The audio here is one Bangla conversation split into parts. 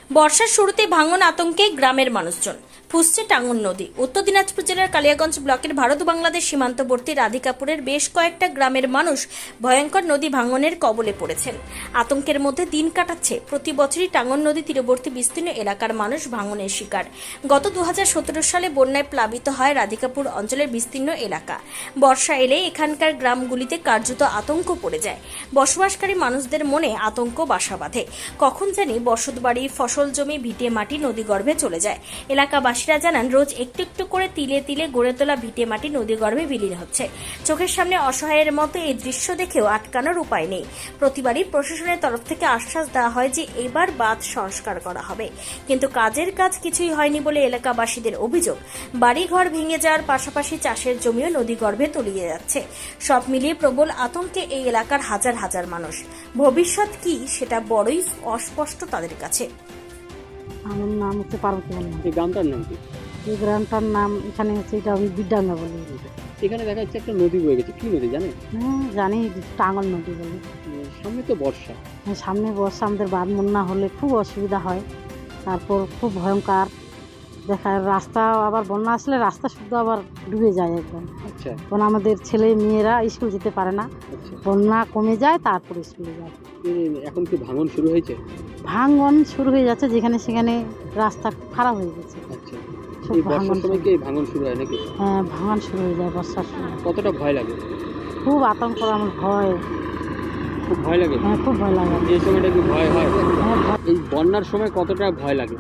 বর্ষার শুরুতে ভাঙন আতঙ্কে গ্রামের মানুষজন। ফুসছে টাঙ্গন নদী। উত্তর দিনাজপুর জেলার কালিয়াগঞ্জ ব্লকের ভারত বাংলাদেশ সীমান্তবর্তী রাধিকাপুরের বেশ কয়েকটা গ্রামের মানুষ ভয়ঙ্কর নদী ভাঙনের কবলে পড়েছেন। আতঙ্কের মধ্যে দিন কাটাচ্ছে। প্রতি বছরই টাঙ্গন নদী তীরবর্তী বিস্তীর্ণ এলাকার মানুষ ভাঙনের শিকার। গত 2017 সালে বন্যায় প্লাবিত হয় রাধিকাপুর অঞ্চলের বিস্তীর্ণ এলাকা। বর্ষা এলে এখানকার গ্রামগুলিতে কার্যত আতঙ্ক পড়ে যায়। বসবাসকারী মানুষদের মনে আতঙ্ক বাসা বাঁধে। কখন জানি বসতবাড়ি, ফসল জমি, ভিটে মাটি নদীগর্ভে চলে যায়। এলাকাবাসীরা জানান, রোজ একটু একটু করে তিলে তিলে গড়ে তোলা ভিটে মাটি নদীগর্ভে বিলীন হচ্ছে। চোখের সামনে অসহায়ের মতো এই দৃশ্য দেখেও আটকানোর উপায় নেই। প্রতিবারই প্রশাসনের তরফ থেকে আশ্বাস দেওয়া হয় যে এবার বাঁধ সংস্কার করা হবে, কিন্তু কাজের কাজ কিছুই হয়নি বলে এলাকাবাসীদের অভিযোগ। বাড়িঘর ভেঙে যাওয়ার পাশাপাশি চাষের জমিও নদীগর্ভে তলিয়ে যাচ্ছে। সব মিলিয়ে প্রবল আতঙ্কে এই এলাকার হাজার হাজার মানুষ। ভবিষ্যৎ কি সেটা বড়ই অস্পষ্ট তাদের কাছে। আমার নাম হচ্ছে পার্বতী বর্মন। এই গ্রামটার নাম কি? এই গ্রামটার নাম এখানে হচ্ছে এটা আমি বিদ্যাঙ্গা বলি। এখানে দেখা যাচ্ছে একটা নদী বয়ে গেছে, কি নদী জানেন? হ্যাঁ জানি, টাঙ্গন নদী বলি। সামনে তো বর্ষা। সামনে বর্ষা, আমাদের বাঁধ বন্যা হলে খুব অসুবিধা হয়। তারপর খুব ভয়ঙ্কর দেখা রাস্তা, আবার বন্যা আসলে রাস্তা শুদ্ধ আবার ডুবে যায় একদম। আচ্ছা কারণ আমাদের ছেলে মেয়েরা স্কুল যেতে পারে না। আচ্ছা, বন্যা কমে যায় তারপর স্কুলে যায়। এখন কি ভাঙন শুরু হয়েছে? ভাঙন শুরু হয়ে যাচ্ছে, যেখানে সেখানে রাস্তা খারাপ হয়ে গেছে। আচ্ছা, খুব এই বর্ষার ভাঙন সময় কি এই ভাঙন শুরু হয় নাকি? হ্যাঁ, ভাঙন শুরু হয়ে যায় বর্ষার সময়। কতটা ভয় লাগে? খুব আতঙ্ক, আমার ভয়। খুব ভয় লাগে? হ্যাঁ, খুব ভয় লাগে। এই সময়টা কি ভয় হয়? হ্যাঁ, এই বন্যার সময় কতটা ভয় লাগে?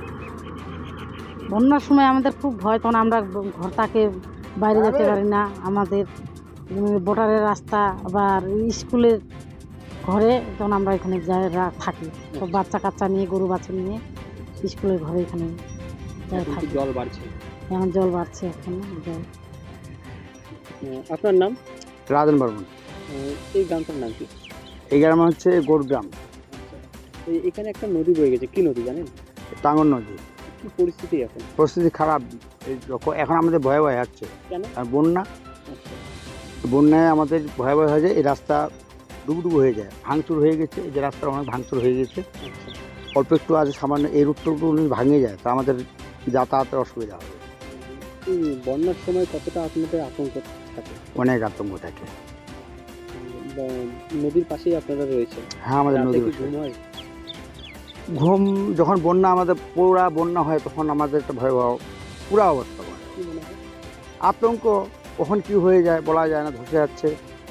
বন্যার সময় আমাদের খুব ভয়, তখন আমরা ঘর থেকে বাইরে যেতে পারি না। আমাদের বোটারের রাস্তা আবার স্কুলের ঘরে, তখন আমরা এখানে যাই থাকি। সব বাচ্চা কাচ্চা নিয়ে, গরু বাচ্চা নিয়ে স্কুলের ঘরে এখানে যাই এখন কি থাকি। জল বাড়ছে? এখন জল বাড়ছে, এখন জল। আপনার নাম? রাজন বর্মন। এই গ্রামটার নাম কি? এই গ্রাম হচ্ছে গোড়গ্রাম। এখানে একটা নদী বয়ে গেছে, কি নদী জানেন? টাঙ্গন নদী। কি পরিস্থিতি এখন? পরিস্থিতি খারাপ। এখন আমাদের ভয় ভয় হচ্ছে, কেন? আর বন্যা, আচ্ছা, বন্যায় আমাদের ভয় ভয় হয়ে যায়। এই রাস্তা ডুবডুবু হয়ে যায়, ভাঙচুর হয়ে গেছে। এই যে রাস্তা অনেক ভাঙচুর হয়ে গেছে। আচ্ছা। অল্প একটু আছে সামান্য, এই রুটটুকু ভাঙে যায়, তা আমাদের যাতায়াতের অসুবিধা হবে। এই বন্যার সময় কতটা আপনাদের আতঙ্ক থাকে? অনেক আতঙ্ক থাকে। নদীর পাশেই আপনারা রয়েছে। হ্যাঁ, আমাদের রাতে নদী কি ঘুম হয়? ঘুম যখন বন্যা, আমাদের পুরা বন্যা হয়, তখন আমাদের একটা ভয়াবহ পুরা অবস্থা হয়। কি মনে হয়? আতঙ্ক কখন কি হয়ে যায় বলা যায় না, ধসে যাচ্ছে।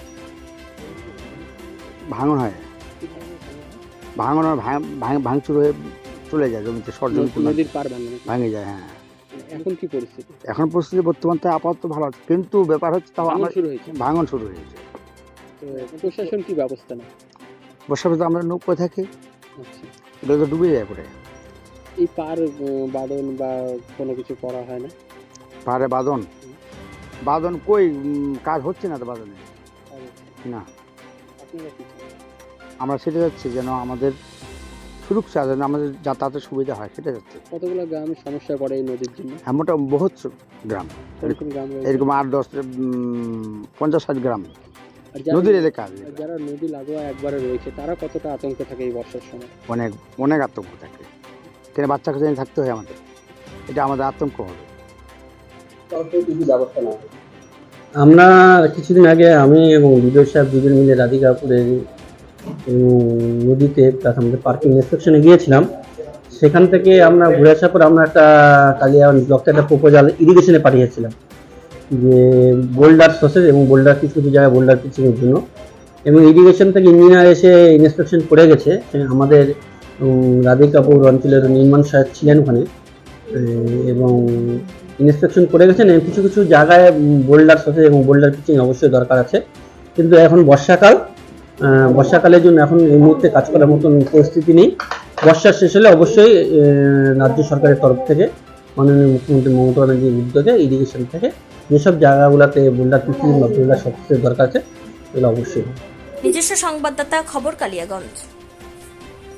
ভাঙন হয়, ভাঙন হয়, ভাঙচুর হয়ে চলে যায় জমিতে, সর জমিতে নদীর পার ভাঙে নাকি? ভাঙে যায়। হ্যাঁ, এখন কি পরিস্থিতি? এখন পরিস্থিতি বর্তমান তো আপাতত ভালো আছে, কিন্তু ব্যাপার হচ্ছে তাও ভাঙন আমরা শুরু হয়েছে। ভাঙন শুরু হয়েছে। তো প্রশাসন কি ব্যবস্থা নেয়? বর্ষার ভিতরে আমরা নৌকো থাকি, আচ্ছা, এটা তো ডুবে যায় পরে। এই পার বাদন বা কোনো কিছু করা হয় না? পাহাড়ে বাঁধন, বাঁধন কই কাজ হচ্ছে না তো বাঁধনে। না, আপনারা কি চান? আমরা সেটা যাচ্ছি যেন আমাদের সুরক্ষা, যেন আমাদের যাতায়াতের সুবিধা হয়, সেটা যাচ্ছে। কতগুলো গ্রাম সমস্যায় পড়ে এই নদীর জন্য? হ্যাঁ, মোটামুটি বহুত গ্রাম, কোন কোন গ্রাম রয়েছে? এরকম 8-10 50-60 গ্রাম আর যারা- নদীর এলাকা। আর যারা নদী লাগোয়া একবারে রয়েছে তারা কতটা আতঙ্কে থাকে এই বর্ষার সময়? অনেক অনেক আতঙ্ক থাকে, কেন বাচ্চা কাছে থাকতে হয় আমাদের, এটা আমাদের আতঙ্ক হবে। আমরা কিছুদিন আগে আমি এবং বিজয় সাহেব দুজন মিলে রাধিকাপুরের নদীতে প্লাস আমাদের পার্কিং ইন্সপেকশনে গিয়েছিলাম। সেখান থেকে আমরা ঘুরে আসার পর আমরা একটা কালিয়াগঞ্জ ব্লকে একটা প্রপোজাল ইরিগেশনে পাঠিয়েছিলাম যে বোল্ডার সসেজ এবং বোল্ডার কিছু কিছু জায়গায় বোল্ডার পিচিংয়ের জন্য, এবং ইরিগেশন থেকে ইঞ্জিনিয়ার এসে ইন্সপেকশন করে গেছে। আমাদের রাধিকাপুর অঞ্চলের নির্মাণ সহায়ক ছিলেন ওখানে এবং ইন্সপেকশন করে গেছেন। কিছু কিছু জায়গায় বোল্ডার সসেজ এবং বোল্ডার পিচিং অবশ্যই দরকার আছে, কিন্তু এখন বর্ষাকালের জন্য এখন এই মুহূর্তে কাজ করার মতন পরিস্থিতি নেই। বর্ষা শেষ হলে অবশ্যই রাজ্য সরকারের তরফ থেকে মাননীয় মুখ্যমন্ত্রী মমতা ব্যানার্জির উদ্যোগে ইরিগেশন থেকে যেসব জায়গাগুলোতে বোল্ডার পিচিং বা বোল্ডার সসেজের দরকার আছে এগুলো অবশ্যই। নিজস্ব সংবাদদাতা, খবর কালিয়াগঞ্জ।